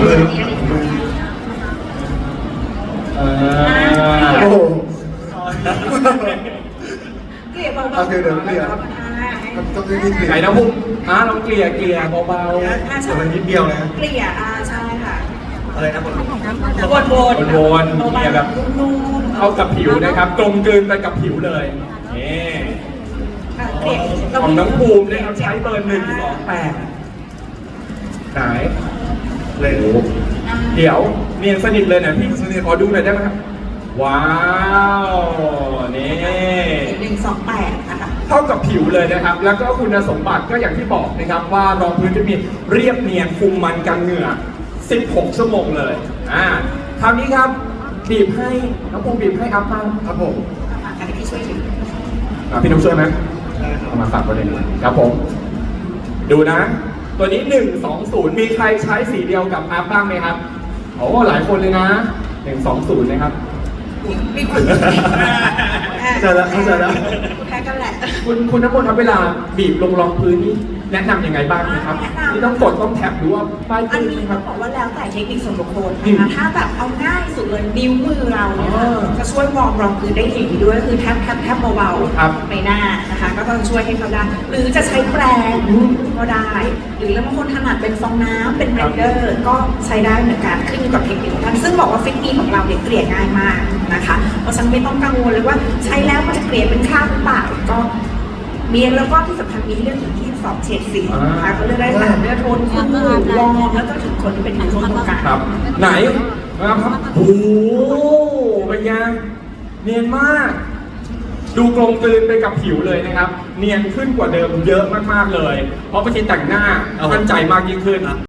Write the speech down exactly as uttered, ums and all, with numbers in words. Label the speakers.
Speaker 1: มือเออโอ้โห
Speaker 2: เกลี่ยเบาๆ
Speaker 1: โอเคเดี๋ยวเกลี่ย ต้องเกลี่ย
Speaker 3: ไหนนะพุ่มอ่ะลองเกลี่ยเกลี่ยเบา
Speaker 2: อ่าใช่
Speaker 1: มันนิดเดียวนะ
Speaker 2: เกลี่ยอ่าใช่ค่ะ
Speaker 1: อะไรนะผม
Speaker 2: วนๆ
Speaker 3: ๆวนๆเกลี่ยแบบ
Speaker 2: นุ่มๆ
Speaker 3: เข้ากับผิวนะครับกลมกลืนไปกับผิวเลยนี่
Speaker 2: อ่ะเกลี่ย
Speaker 3: ของน้องภูมิเนี่ยเขาใช้เบอร์หนึ่งสองแปดไหน
Speaker 1: เลย
Speaker 3: เดี๋ยวเนียนสนิทเลยนะพี่สนิทขอดูหน่อยได้ไหมครับว้าวนี่
Speaker 2: หนึ่งสองแปดนะคะ
Speaker 3: เข้ากับผิวเลยนะครับ แล้วก็คุณสมบัติก็อย่างที่บอกนะครับว่ารองพื้นจะมีเรียบเนียนคุมมันกันเหงื่อสิบหกชั่วโมงเลยอ่าคราวนี้ครับบีบให้น้องภูมิบีบให้อัพบ้างครับผม
Speaker 2: อันนี้พี่ช่วยถือ
Speaker 3: อ่ะพี่นุ๊กช่วยไหมเอามาฝากประเด็นครับผม ดูนะ ตัวนี้หนึ่งสองศูนย์มีใครใช้สีเดียวกับอัพบ้างไหมครับโอ้หลายคนเลยนะหนึ่งสองศูนย์นะครับ
Speaker 2: มีคน
Speaker 1: เข้าใจแล้วเข้าใจแล้ว
Speaker 2: แพ้กันแหละ
Speaker 3: คุณคุณน้ำมนต์ครับเวลาบีบลงรองพื้นนี่แนะนำยังไงบ้างนะครับ
Speaker 2: แนะนำ
Speaker 3: ที่ต้องกดต้องแท็บหรือว่าป้าย
Speaker 2: อัน
Speaker 3: พื้น
Speaker 2: นี้
Speaker 3: ไหมค
Speaker 2: ต้
Speaker 3: รั
Speaker 2: อบ งบอกว่าแล้วแต่เทคนิคส่วนบุคคล
Speaker 3: อื
Speaker 2: นะคะ
Speaker 3: ม
Speaker 2: ถ้าแบบเอาง่ายสุดเลยนิ้วมือเราเนี่ย
Speaker 3: อ๋อ
Speaker 2: จะช่วยวอร์มรองพื้นได้ดีด้วยคือแทบแทบแทบเบา
Speaker 3: ครับ
Speaker 2: ๆใบหน้านะคะ ก็ต้องช่วยให้เขาได้ หรือจะใช้แปรง
Speaker 3: อืม
Speaker 2: ก็ได้ หรือแล้วบางคนถนัดเป็นฟองน้ำเป็นเบลนเดอร์ก็ใช้ได้เหมือนกันขึ้นอยู่กับเทคนิคของท่านซึ่งบอกว่าฟิตมีของเราเนี่ยเกลี่ยง่ายมากนะคะเพราะฉะนั้นไม่ต้องกังวลเลยว่าใช้แล้วมันจะเกลี่ยเป็นคราบหรือเปล่าก็มีแล้วก็ที่สำคัญมีเรื่องถึงที่สองเฉดสีนะคะก็เลือกได้ตามเลือกโทนคู่วอร์มแล้วก็ถึงคนที่เป็นผิวโทนตรงกลาง
Speaker 3: ครับ ไหนนะครับโอ้โหเป็นไงเนียนมาก ดูกลมกลืนไปกับผิวเลยนะครับ เนียนขึ้นกว่าเดิมเยอะมากๆเลย เพราะบางทีแต่งหน้ามั่นใจมากยิ่งขึ้น